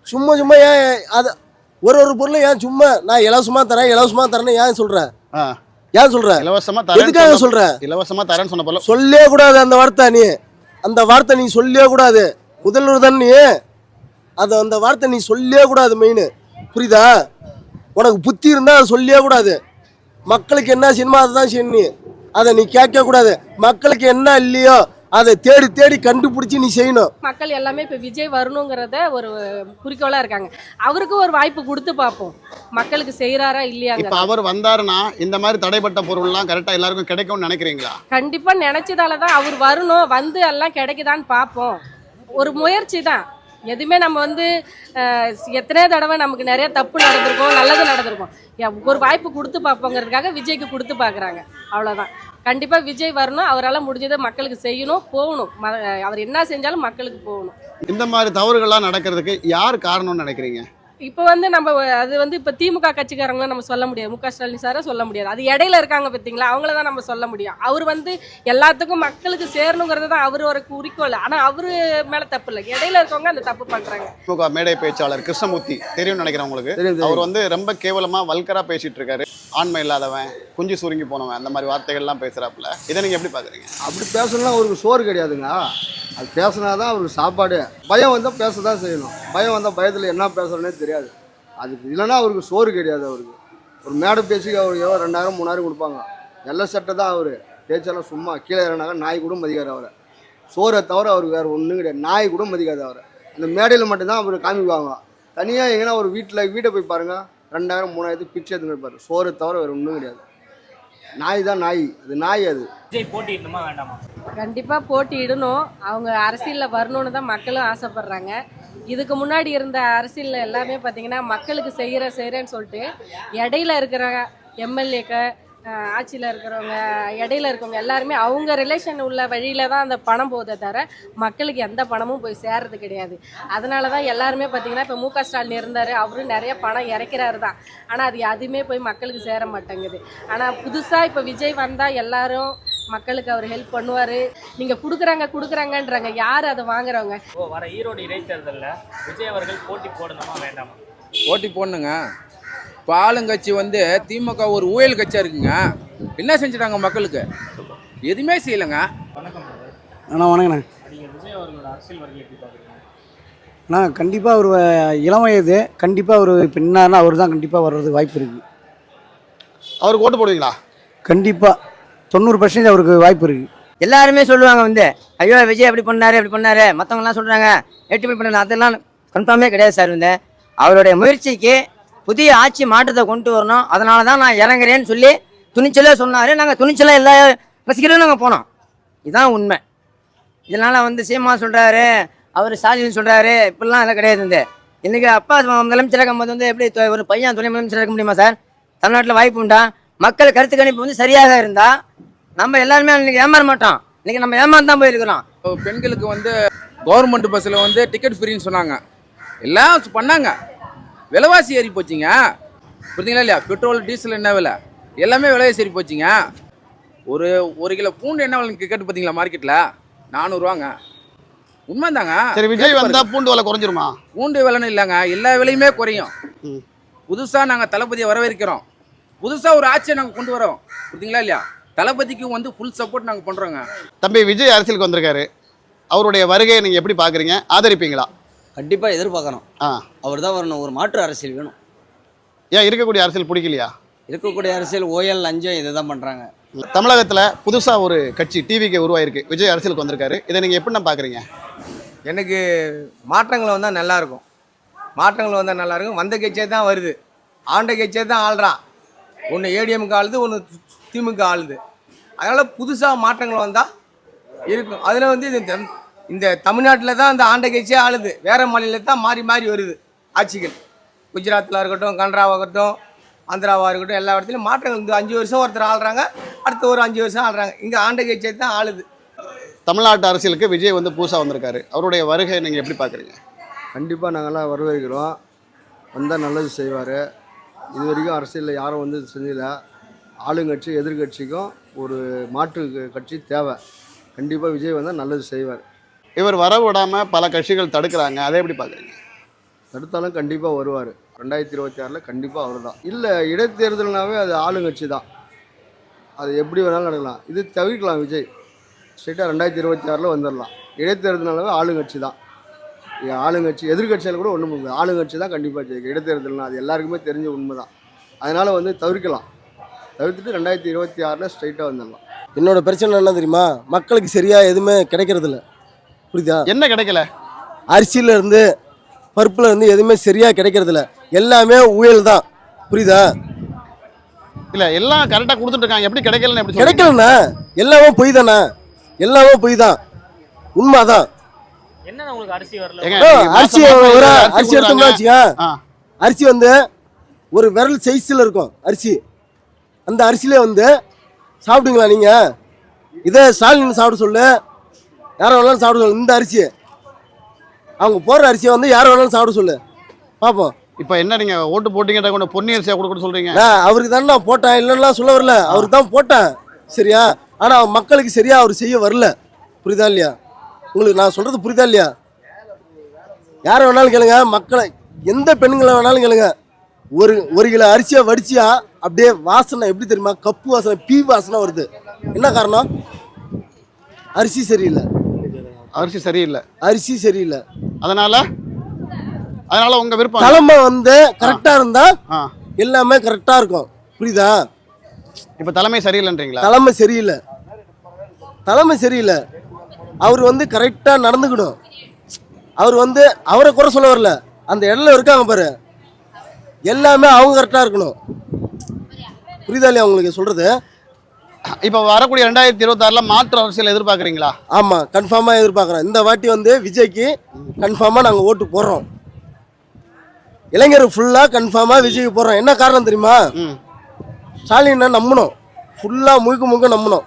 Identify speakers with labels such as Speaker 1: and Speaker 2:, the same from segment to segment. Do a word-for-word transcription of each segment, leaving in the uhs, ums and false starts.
Speaker 1: சும்மா சும்மா ஏன் அது ஒரு ஒரு பொருளும் ஏன் சும்மா நான் இலவசமாக தரேன் இலவசமாக தரேன்னு ஏன் சொல்கிறேன்? ஏன் சொல்கிறேன்?
Speaker 2: இலவசமாக தரேன்.
Speaker 1: எதுக்காக சொல்கிறேன்?
Speaker 2: இலவசமாக தரேன்னு சொன்ன போல
Speaker 1: சொல்லவே கூடாது அந்த வார்த்தை. நீ அந்த வார்த்தை நீ சொல்லவே கூடாது. முதல்வர் தான் நீ. அது அந்த வார்த்தை நீ சொல்லவே கூடாது. மெயின் புரியுதா? உனக்கு புத்தி இருந்தால் அதை சொல்லவே கூடாது. மக்களுக்கு என்ன சினிமா அதை தான் செய்யணும். அதை நீ கேட்க கூடாது. மக்களுக்கு என்ன இல்லையோ அதை தேடி தேடி கண்டுபிடிச்சி நீ செய்யணும்.
Speaker 3: மக்கள் எல்லாமே இப்போ விஜய் வரணுங்கிறத ஒரு குறிக்கோளாக இருக்காங்க. அவருக்கு ஒரு வாய்ப்பு கொடுத்து பார்ப்போம், மக்களுக்கு செய்கிறாரா இல்லையாங்க.
Speaker 2: இப்போ அவர் வந்தாருன்னா இந்த மாதிரி தடைப்பட்ட பொருள்லாம் கரெக்டாக எல்லாருக்கும் கிடைக்கும்னு நினைக்கிறீங்களா?
Speaker 3: கண்டிப்பாக நினச்சதால தான் அவர் வரணும். வந்து எல்லாம் கிடைக்குதான்னு பார்ப்போம். ஒரு முயற்சி தான். எதுவுமே நம்ம வந்து எத்தனை தடவை நமக்கு நிறைய தப்பு நடந்திருக்கோம், நல்லது நடந்திருக்கும். ஒரு வாய்ப்பு கொடுத்து பார்ப்போங்கிறதுக்காக விஜய்க்கு கொடுத்து பார்க்குறாங்க, அவ்வளோதான். கண்டிப்பாக விஜய் வரணும். அவரால் முடிஞ்சதை மக்களுக்கு செய்யணும், போகணும். அவர் என்ன செஞ்சாலும் மக்களுக்கு போகணும்.
Speaker 2: இந்த மாதிரி தவறுகள்லாம் நடக்கிறதுக்கு யார் காரணம்னு நினைக்கிறீங்க?
Speaker 3: இப்போ வந்து நம்ம அது வந்து இப்போ திமுக கட்சிக்காரங்கள நம்ம சொல்ல முடியாது, முக ஸ்டாலின் சாரை சொல்ல முடியாது. அது இடையில இருக்காங்க பார்த்தீங்களா, அவங்கள தான் நம்ம சொல்ல முடியும். அவர் வந்து எல்லாத்துக்கும் மக்களுக்கு சேரணுங்கிறது தான் அவர் ஒரு குறிக்கோள். ஆனால் அவரு மேலே தப்பு இல்லை, இடையில இருக்கவங்க அந்த தப்பு பண்ணுறாங்க.
Speaker 2: திமுக மேடை பேச்சாளர் கிருஷ்ணமூர்த்தி தெரியும்னு நினைக்கிறேன் உங்களுக்கு. அவர் வந்து ரொம்ப கேவலமாக வல்கரா பேசிட்டு இருக்காரு. ஆண்மை இல்லாதவன், குஞ்சு சுருங்கி போனவன், அந்த மாதிரி வார்த்தைகள்லாம் பேசுகிறாப்புல. இதை நீங்கள் எப்படி பார்க்குறீங்க?
Speaker 4: அப்படி பேசணும்னா அவருக்கு சோறு கிடையாதுங்க. அது பேசினா தான் அவருக்கு சாப்பாடு. பயம் வந்தால் பேச தான் செய்யணும். பயம் வந்தால் பயத்தில் என்ன பேசுகிறோன்னே தெரியாது. அதுக்கு இல்லைன்னா அவருக்கு சோறு கிடையாது. அவருக்கு ஒரு மேடை பேசி அவருக்கு எவ்வளோ ரெண்டாயிரம் மூணாயிரம் கொடுப்பாங்க. நல்ல சட்டை தான் அவர். பேச்செல்லாம் சும்மா கீழே இறங்கினாங்க நாய் கூட மதிக்காது அவரை. சோறை தவிர அவருக்கு வேறு ஒன்றும் கிடையாது. நாய் கூட மதிக்காது அவரை. அந்த மேடையில் மட்டும்தான் அவர் காமிக்குவாங்க. தனியாக எங்கன்னா ஒரு வீட்டில் வீட்டை போய் பாருங்கள், ரெண்டாயிரம் மூணாயிரத்து பிச்சை எடுத்துன்னு இருப்பார். சோறை தவிர வேறு ஒன்றும் கிடையாது. நாய் தான் நாய். அது நாய். அது
Speaker 5: போட்டியிடணுமா வேண்டாமா?
Speaker 3: கண்டிப்பாக போட்டியிடணும். அவங்க அரசியலில் வரணும்னு தான் மக்களும் ஆசைப்படுறாங்க. இதுக்கு முன்னாடி இருந்த அரசியலில் எல்லாமே பார்த்தீங்கன்னா மக்களுக்கு செய்கிற செய்கிறேன்னு சொல்லிட்டு இடையில இருக்கிற எம்எல்ஏக்க ஆட்சியில் இருக்கிறவங்க இடையில இருக்கவங்க எல்லாருமே அவங்க ரிலேஷன் உள்ள வழியில தான் அந்த பணம் போதே தவிர மக்களுக்கு எந்த பணமும் போய் சேர்றது கிடையாது. அதனால தான் எல்லாருமே பார்த்தீங்கன்னா இப்போ முக ஸ்டாலின் இருந்தார், அவரும் நிறைய பணம் இறக்கிறாரு தான். ஆனால் அது எதுவுமே போய் மக்களுக்கு சேர மாட்டேங்குது. ஆனால் புதுசாக இப்போ விஜய் வந்தால் எல்லாரும் மக்களுக்கு அவர் ஹெல்ப் பண்ணுவார். நீங்கள் கொடுக்குறாங்க கொடுக்குறாங்கன்றாங்க, யார் அதை வாங்குறவங்க?
Speaker 5: ஓ, வர ஈரோடு இடைத்தேர்தலில் விஜய் அவர்கள் போட்டி போடணுமா வேண்டாமா?
Speaker 6: போட்டி போடணுங்க. இப்போ ஆளுங்கட்சி வந்து திமுக ஒரு ஊழல் கட்சியாக இருக்குங்க. என்ன செஞ்சுட்டாங்க மக்களுக்கு? எதுவுமே செய்யலைங்க.
Speaker 5: வணக்கம்
Speaker 7: அண்ணா. வணக்கண்ணா.
Speaker 5: நீங்கள் விஜய் அவர்களோட அரசியல் வருகை எப்படி பார்க்குறீங்க?
Speaker 7: அண்ணா கண்டிப்பாக ஒரு இளம் வயது. கண்டிப்பாக ஒரு இப்போ என்னாருன்னா அவர் தான் கண்டிப்பாக வர்றதுக்கு வாய்ப்பு இருக்குது.
Speaker 2: அவருக்கு ஓட்டு போடுவீங்களா?
Speaker 7: கண்டிப்பாக தொண்ணூறு பர்சன்டேஜ் அவருக்கு வாய்ப்பு இருக்குது.
Speaker 8: எல்லாருமே சொல்லுவாங்க வந்து, ஐயோ விஜய் எப்படி பண்ணாரு எப்படி பண்ணாரு மற்றவங்கலாம் சொல்கிறாங்க எட்டு பண்ண. அதெல்லாம் கன்ஃபார்மே கிடையாது சார். வந்து அவருடைய முயற்சிக்கு புதிய ஆட்சி மாற்றத்தை கொண்டு வரணும். அதனால தான் நான் இறங்குறேன்னு சொல்லி துணிச்சலாக சொன்னார். நாங்கள் துணிச்சலாக எல்லா ரசிகர்களும் நாங்கள் போனோம். இதுதான் உண்மை. இதனால் வந்து சீமா சொல்கிறாரு, அவர் ஸ்டாலின் சொல்கிறாரு, இப்படிலாம் எல்லாம் கிடையாது. வந்து இன்றைக்கி அப்பா முதலமைச்சராக இருக்கும்போது வந்து எப்படி ஒரு பையன் துணை முதலமைச்சராக இருக்க முடியுமா சார்? தமிழ்நாட்டில் வாய்ப்பு உண்டா? மக்கள் கருத்து கணிப்பு வந்து சரியாக இருந்தால் நம்ம எல்லாருமே இன்றைக்கி ஏமாற மாட்டோம். இன்றைக்கி நம்ம ஏமாந்து தான் போயிருக்கிறோம்.
Speaker 6: பெண்களுக்கு வந்து கவர்மெண்ட் பஸ்ஸில் வந்து டிக்கெட் ஃப்ரீன்னு சொன்னாங்க. எல்லாம் பண்ணாங்க. விலைவாசி ஏறி போச்சுங்க. புரியுதுங்களா இல்லையா? பெட்ரோல் டீசல் என்ன விலை, எல்லாமே விலைவாசி ஏறி போச்சுங்க. ஒரு ஒரு கிலோ பூண்டு என்ன விலை கேட்டு பார்த்தீங்களா மார்க்கெட்டில்? நானூறுவாங்க. உண்மைதாங்க.
Speaker 2: சரி, விஜய் வந்தா பூண்டு விலை குறைஞ்சிருமா?
Speaker 6: பூண்டு விலைன்னு இல்லைங்க, எல்லா விலையுமே குறையும். புதுசாக நாங்கள் தளபதியை வரவேற்கிறோம். புதுசாக ஒரு ஆட்சியை நாங்கள் கொண்டு வரோம். புரியுதுங்களா இல்லையா? தளபதிக்கு வந்து ஃபுல் சப்போர்ட் நாங்கள் பண்ணுறோங்க.
Speaker 2: தம்பி, விஜய் அரசியலுக்கு வந்திருக்காரு. அவருடைய வருகையை நீங்கள் எப்படி பார்க்குறீங்க? ஆதரிப்பீங்களா?
Speaker 9: கண்டிப்பாக எதிர்பார்க்கணும். ஆ அவர் தான் வரணும். ஒரு மாற்று அரசியல் வேணும்.
Speaker 2: ஏன் இருக்கக்கூடிய அரசியல் பிடிக்கலையா?
Speaker 9: இருக்கக்கூடிய அரசியல் ஓயல் லஞ்சம் இதை தான் பண்ணுறாங்க.
Speaker 2: தமிழகத்தில் புதுசாக ஒரு கட்சி டிவிக்கு உருவாயிருக்கு. விஜய் அரசியலுக்கு வந்திருக்காரு. இதை நீங்கள் எப்படின்னா பார்க்குறீங்க?
Speaker 10: எனக்கு மாற்றங்கள் வந்தால் நல்லாயிருக்கும். மாற்றங்கள் வந்தால் நல்லாயிருக்கும். வந்த கட்சியே தான் வருது, ஆண்ட கட்சியே தான் ஆள்றான். ஒன்று ஏடிஎம்க்கு ஆளுது, ஒன்று திமுக ஆளுது. அதனால் புதுசாக மாற்றங்கள் வந்தால் இருக்கும். அதில் வந்து இந்த இந்த தமிழ்நாட்டில் தான் அந்த ஆண்ட கட்சியே ஆளுது. வேறு மாநிலத்தில் தான் மாறி மாறி வருது ஆட்சிகள். குஜராத்தில் இருக்கட்டும், கனடாவாக இருக்கட்டும், ஆந்திராவாக இருக்கட்டும், எல்லா இடத்துலையும் மாற்றங்கள். இந்த அஞ்சு வருஷம் ஒருத்தர் ஆள்றாங்க, அடுத்த ஒரு அஞ்சு வருஷம் ஆள்றாங்க. இங்கே ஆண்ட கட்சியை தான் ஆளுது.
Speaker 2: தமிழ்நாட்டு அரசியலுக்கு விஜய் வந்து புதுசாக வந்திருக்காரு. அவருடைய வருகை நீங்கள் எப்படி பார்க்குறீங்க?
Speaker 4: கண்டிப்பாக நாங்கள்லாம் வரவேற்கிறோம். வந்தால் நல்லது செய்வார். இது வரைக்கும் அரசியலில் யாரும் வந்து செஞ்சதில்லை. ஆளுங்கட்சி எதிர்கட்சிக்கும் ஒரு மாற்று கட்சி தேவை. கண்டிப்பாக விஜய் வந்தால் நல்லது செய்வார்.
Speaker 2: இவர் வர விடாமல் பல கட்சிகள் தடுக்கிறாங்க. அதை எப்படி பார்க்குறீங்க?
Speaker 4: தடுத்தாலும் கண்டிப்பாக வருவார். ரெண்டாயிரத்தி இருபத்தி ஆறில் கண்டிப்பாக அவர் தான். இல்லை, இடைத்தேர்தல்னாவே அது ஆளுங்கட்சி தான், அது எப்படி வேணாலும் நடக்கலாம். இது தவிர்க்கலாம். விஜய் ஸ்ட்ரெயிட்டாக ரெண்டாயிரத்தி இருபத்தி ஆறில் வந்துடலாம். இடைத்தேர்தல்னாவே ஆளுங்கட்சி தான். ஆளுங்கட்சி எதிர்கட்சியில் கூட ஒன்றும் முடியாது, ஆளுங்கட்சி தான் கண்டிப்பாக ஜெயிக்கும். இடைத்தேர்தல்னா அது எல்லாருக்குமே தெரிஞ்ச உண்மை தான். அதனால் வந்து தவிர்க்கலாம். தவிர்த்துட்டு ரெண்டாயிரத்தி இருபத்தி ஆறில் ஸ்ட்ரைட்டாக வந்துடலாம்.
Speaker 1: என்னோட பிரச்சனை என்ன தெரியுமா, மக்களுக்கு சரியாக எதுவுமே கிடைக்கிறது இல்லை. புரியுதா?
Speaker 2: என்ன கிடைக்கல?
Speaker 1: அரிசியில இருந்து பருப்புல இருந்து எதுவுமே சரியாக கிடைக்கிறது இல்லை, எல்லாமே ஊழல் தான். புரியுதா?
Speaker 2: இல்ல எல்லாம் கரெக்டா கொடுத்துட்டு இருக்காங்க, எப்படி கிடைக்கலன்னு எப்படி சொல்றீங்க?
Speaker 1: கிடைக்கலண்ணா, எல்லாமே பொய் தானே, எல்லாமே பொய் தான், உண்மைதான்.
Speaker 5: என்ன உங்களுக்கு அரிசி வரல?
Speaker 2: ஏங்க,
Speaker 1: ஓ,
Speaker 2: நீங்க
Speaker 1: அரிசி
Speaker 2: மாசம் மாசம்
Speaker 1: ஒரு
Speaker 2: அரிசி
Speaker 1: அரிசி எடுத்தோம்னா
Speaker 2: கொடுக்குறாங்க.
Speaker 1: வச்சுக்க,
Speaker 2: ஆ.
Speaker 1: அரிசி வந்து ஒரு விரல் சைஸில் இருக்கும் அரிசி. அந்த அரிசியிலே வந்து சாப்பிட்டீங்களா நீங்கள்? இதே ஸ்டாலின் சாப்பிட சொல்லு, யாரை வேணாலும் சாப்பிட சொல்லு. இந்த அரிசி அவங்க போடுற அரிசியை வந்து யாரை வேணாலும் சாப்பிட சொல்லு, பார்ப்போம்.
Speaker 2: இப்ப என்ன நீங்க ஓட்டு போட்டீங்க கொண்டு பொன்னி அரிசியா கொடுக்க சொல்றீங்க?
Speaker 1: நான் அவருக்கு தானே நான் போட்டேன், இல்லைன்னா சொல்ல வரல, அவருக்கு தான் போட்டேன். சரியா? ஆனால் மக்களுக்கு சரியா அவர் செய்ய வரல. புரியுதா இல்லையா உங்களுக்கு? நான் சொல்றது புரியுதா இல்லையா? யாரை வேணாலும் கேளுங்க, மக்களை எந்த பெண்களை வேணாலும் கேளுங்க, ஒரு ஒரு கிலோ அரிசியை வடிச்சியா அப்படியே வாசனை எப்படி தெரியுமா? கப்பு வாசனை, பீ வாசனை வருது. என்ன காரணம்? அரிசி சரியில்லை.
Speaker 2: அரிசி சரியில்லை,
Speaker 1: அரிசி சரியில்லை.
Speaker 2: அதனால அதனால உங்க விருப்பம்.
Speaker 1: தலைமை வந்து கரெக்டா இருந்தா
Speaker 2: ஆ.
Speaker 1: எல்லாமே கரெக்டா இருக்கும். புரியுதா?
Speaker 2: இப்ப தலைமை சரியில்லைன்றீங்களா?
Speaker 1: தலைமை சரியில்லை, தலைமை சரியில்லை. அவர் வந்து கரெக்டா நடந்துக்கணும். அவர் வந்து அவரை குறை சொல்ல வரல, அந்த இடத்துல இருக்காங்க பாரு, எல்லாமே அவங்க கரெக்டா இருக்கணும். புரியுதா இல்லையா உங்களுக்கு சொல்றது?
Speaker 2: இப்ப வரக்கூடிய ரெண்டாயிரத்தி இருபத்தி ஆறுல மாற்று அரசியல் எதிர்பார்க்கறீங்களா?
Speaker 1: ஆமா, கன்ஃபார்மா எதிர்பார்க்குறோம். இந்த வாட்டி வந்து விஜய்க்கு கன்ஃபார்மா நாங்கள் ஓட்டு போடுறோம். இளைஞர் ஃபுல்லா கன்ஃபார்மா விஜய்க்கு போடுறோம். என்ன காரணம் தெரியுமா?
Speaker 2: ம்.
Speaker 1: ஸ்டாலினை நம்பணும், ஃபுல்லா முழுக்க முழுக்க நம்பணும்.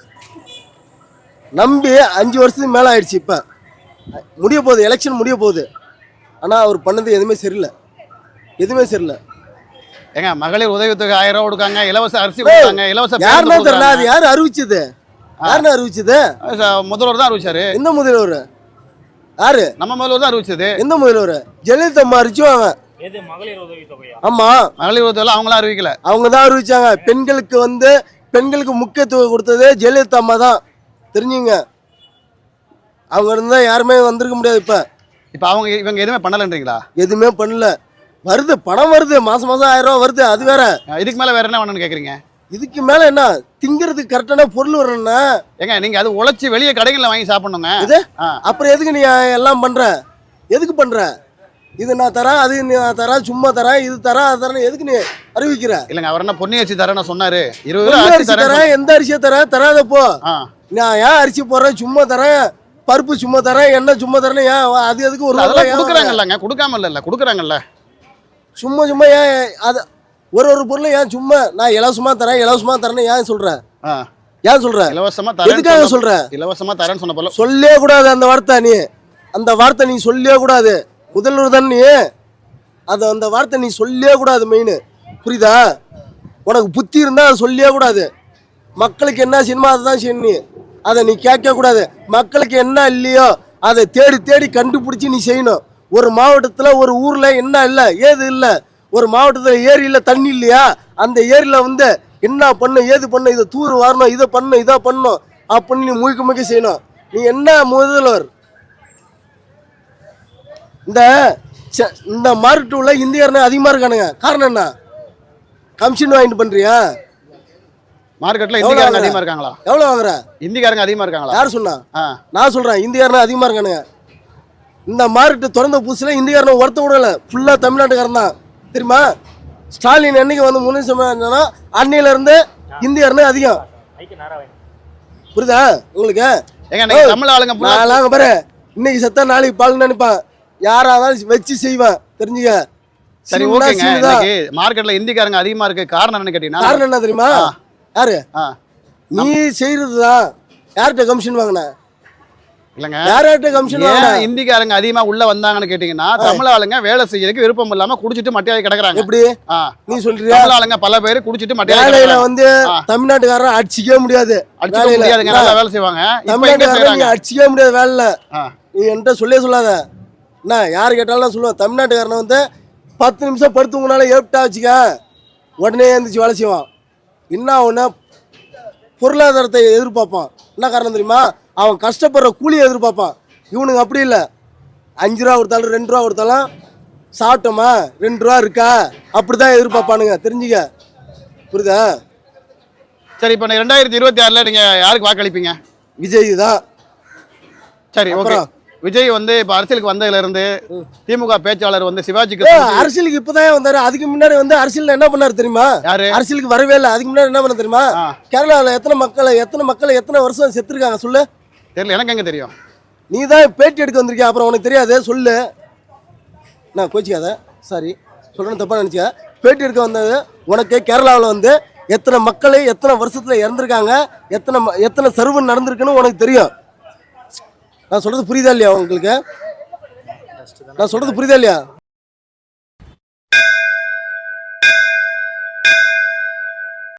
Speaker 1: நம்பி அஞ்சு வருஷத்துக்கு மேலே ஆயிடுச்சு. இப்போ முடிய போகுது, எலெக்ஷன் முடிய போகுது. ஆனால் அவர் பண்ணது எதுவுமே சரியில்லை, எதுவுமே சரியில்லை.
Speaker 2: ஏங்க, மகளிர் உதவித்தொகை ஆயிரம் ரூபாய் கொடுக்காங்க, இலவச அரிசி கொடுக்காங்க, இலவச
Speaker 1: யாருன்னா தெரியல, அது யாரு அறிவிச்சது? யாருன்னு அறிவிச்சது?
Speaker 2: முதல்வர் தான் அறிவிச்சாரு.
Speaker 1: எந்த முதல்வர்? யாரு?
Speaker 2: நம்ம முதல்வர் தான் அறிவிச்சது.
Speaker 1: எந்த முதல்வர்? ஜெயலலிதா அம்மா அறிவிச்சுவாங்க.
Speaker 5: எது மகளிர் உதவி தொகையா?
Speaker 1: ஆமா,
Speaker 2: மகளிர் உதவி அவங்களாம் அறிவிக்கல,
Speaker 1: அவங்க தான் அறிவிச்சாங்க. பெண்களுக்கு வந்து பெண்களுக்கு முக்கியத்துவம் கொடுத்தது ஜெயலலிதா அம்மா தான், தெரிஞ்சுங்க. அவங்க இருந்தா யாருமே வந்திருக்க முடியாது. இப்ப
Speaker 2: இப்ப அவங்க இவங்க எதுவுமே பண்ணலன்றீங்களா?
Speaker 1: எதுவுமே பண்ணல. வருது, பணம் வருது, மாசம் மாசம் ஆயிரம் ரூபாய் வருது, அது வேற.
Speaker 2: இதுக்கு மேல வேற என்ன பண்ணணும்னு கேக்குறீங்க?
Speaker 1: இதுக்கு மேல என்ன? திங்கிறதுக்கு கரெக்டான பொருள் வரணும்னா
Speaker 2: ஏங்க, நீங்க அது உழைச்சி வெளியே கடைகள்ல வாங்கி சாப்பிடணுங்க.
Speaker 1: இது அப்புறம் எதுக்கு நீ எல்லாம் பண்ற? எதுக்கு பண்ற? இது நான் தரேன், அது நான் தரேன், சும்மா தரேன், இது தரேன், அது தரேன், எதுக்கு நீ அறிவிக்கிற?
Speaker 2: இல்லங்க, அவர் என்ன பொன்னி அரிசி தரேன்னு சொன்னாரு. இருபது
Speaker 1: பொன்னி
Speaker 2: ரூபாய்
Speaker 1: அரிசி தரேன், எந்த அரிசியை தரேன்? தராதப்போ நான் ஏன் அரிசி போடுறேன்? சும்மா தரேன், பருப்பு சும்மா தரேன், எண்ணெய் சும்மா தரேன். ஏன் அது எதுக்கு ஒரு
Speaker 2: அதெல்லாம் கொடுக்குறாங்கல்லங்க, கொடுக்காம இல்ல, கொடுக்குறாங்கல்ல.
Speaker 1: சும்மா சும்மா ஏன் அது ஒரு ஒரு பொருளும் ஏன் சும்மா நான் இலவசமா தரேன், இலவசமா தரேன்னு ஏன் சொல்ற? ஏன் சொல்ற?
Speaker 2: இலவசமா
Speaker 1: எதுக்காக
Speaker 2: தரேன்
Speaker 1: சொல்ற?
Speaker 2: இலவசமா தரேன்னு சொன்ன போல
Speaker 1: சொல்லவே கூடாது அந்த வார்த்தை. நீ அந்த வார்த்தை நீ சொல்லவே கூடாது. முதல்வர் தான் நீ, அது அந்த வார்த்தை நீ சொல்லவே கூடாது. மெயின் புரியுதா? உனக்கு புத்தி இருந்தா அதை சொல்லவே கூடாது. மக்களுக்கு என்ன சினிமா அதை தான் செய்யணும். நீ அதை நீ கேட்க கூடாது. மக்களுக்கு என்ன இல்லையோ அதை தேடி தேடி கண்டுபிடிச்சி நீ செய்யணும். ஒரு மாவட்டத்தில் ஒரு ஊரில் என்ன இல்லை, ஏது இல்லை, ஒரு மாவட்டத்தில் ஏரியில் தண்ணி இல்லையா, அந்த ஏரியில் வந்து என்ன பண்ணும், ஏது பண்ணும், இதை தூர் வரணும், இதை பண்ணணும், இதை பண்ணணும் அப்படின்னு நீ முழுக்க முழுக்க செய்யணும். நீ என்ன முதல்வர்? இந்த இந்த மார்க்கெட் உள்ள இந்தியர்னா அதிகமாக இருக்கானுங்க. காரணம் என்ன? கமிஷன் வாங்கிட்டு பண்ணுறியா?
Speaker 2: மார்க்கெட்ல இந்திக்காரங்க அதிகமா இருக்காங்களா?
Speaker 1: எவ்வளோ வாங்குற?
Speaker 2: இந்திக்காரங்க அதிகமா இருக்காங்களா?
Speaker 1: யார் சொன்னா? நான் சொல்கிறேன், இந்தியர்னா அதிகமாக இருக்கானுங்க. இந்த மார்க்கெட்டு திறந்த புதுசில் இந்தியாரனை ஒருத்த விடல, ஃபுல்லாக தமிழ்நாட்டுக்காரன் தான். தெரியுமா? ஸ்டாலின் என்னைக்கு வந்து முன்னேற்றம்னா அன்னையிலேருந்து இந்தியாரனே அதிகம். புரியுதா உங்களுக்கு?
Speaker 2: தமிழ் ஆளுங்க
Speaker 1: நாங்கள் பாரு, இன்னைக்கு செத்தா நாளைக்கு பால் நினைப்பான். யாராவது வச்சு செய்வேன், தெரிஞ்சுக்க.
Speaker 2: சரி, ஓகேங்க. மார்க்கெட்ல இந்திக்காரங்க அதிகமா இருக்கு, காரணம் என்னன்னு கேட்டீங்கன்னா,
Speaker 1: காரணம் என்ன தெரியுமா? யாரு? நீ செய்யறதுதான். யார்கிட்ட கமிஷன் வாங்கின?
Speaker 2: இல்லங்க,
Speaker 1: யார்கிட்ட கமிஷன் வாங்கின?
Speaker 2: இந்திக்காரங்க அதிகமா உள்ள வந்தாங்கன்னு கேட்டீங்கன்னா, தமிழ் ஆளுங்க வேலை செய்யறதுக்கு விருப்பம் இல்லாம குடிச்சிட்டு மட்டையாகி கிடக்குறாங்க.
Speaker 1: எப்படி நீ சொல்றியா?
Speaker 2: தமிழ் ஆளுங்க பல பேர் குடிச்சிட்டு மட்டையாகி
Speaker 1: வேலையில வந்து தமிழ்நாட்டுக்காரன் அடிச்சிக்கவே முடியாது.
Speaker 2: அடிச்சிக்க முடியாதுங்க, நல்லா வேலை செய்வாங்க.
Speaker 1: தமிழ்நாட்டுக்காரன் நீ அடிச்சிக்கவே முடியாது வேலையில. நீ என்கிட்ட சொல்லே சொல்லாத. என்ன யார் கேட்டாலும் நான் சொல்லுவேன், தமிழ்நாட்டுக்காரனை வந்து பத்து நிமிஷம் படுத்துங்கனால ஏப்டா வச்சுக்க உடனே எழுந்திரிச்சு வேலை செய்வான். என்ன ஒன்று பொருளாதாரத்தை எதிர்பார்ப்பான். என்ன காரணம் தெரியுமா? அவன் கஷ்டப்படுற கூலியை எதிர்பார்ப்பான். இவனுங்க அப்படி இல்லை. அஞ்சு ரூபா கொடுத்தாலும் ரெண்டு ரூபா கொடுத்தாலும் சாப்பிட்டோமா ரெண்டு ரூபா இருக்கா அப்படி தான் எதிர்பார்ப்பானுங்க. தெரிஞ்சுக்க, புரியுதா?
Speaker 2: சரி, இப்போ ரெண்டாயிரத்தி இருபத்தி ஆறில் நீங்கள் யாருக்கு வாக்களிப்பீங்க?
Speaker 1: விஜய் தான்.
Speaker 2: சரி, ஓகே. விஜய் வந்து இப்போ அரசியலுக்கு வந்ததுல இருந்து திமுக பேச்சாளர் வந்து சிவாஜிக்கு
Speaker 1: அரசியலுக்கு இப்பதான் வந்தாரு. அதுக்கு முன்னாடி வந்து அரசியல் என்ன பண்ணாரு தெரியுமா?
Speaker 2: யாரு
Speaker 1: அரசியலுக்கு வரவே இல்லை. அதுக்கு முன்னாடி என்ன பண்ண தெரியுமா? கேரளாவில் எத்தனை மக்கள் எத்தனை மக்கள் எத்தனை வருஷம் செத்துருக்காங்க சொல்லு.
Speaker 2: தெரியல, எனக்கு எங்க தெரியும்?
Speaker 1: நீ தான் பேட்டி எடுக்க வந்திருக்கிய, அப்புறம் உனக்கு தெரியாது சொல்லு. நான் கோச்சிக்காத, சாரி சொல்றேன்னு தப்பா நினைச்சா. பேட்டி எடுக்க வந்தது உனக்கு கேரளாவில் வந்து எத்தனை மக்கள் எத்தனை வருஷத்துல இறந்துருக்காங்க, எத்தனை எத்தனை சர்வன் நடந்திருக்குன்னு உனக்கு தெரியும். நான் சொல்றது புரியுதா இல்லையா உங்களுக்கு? நான் சொல்றது புரியுதா இல்லையா?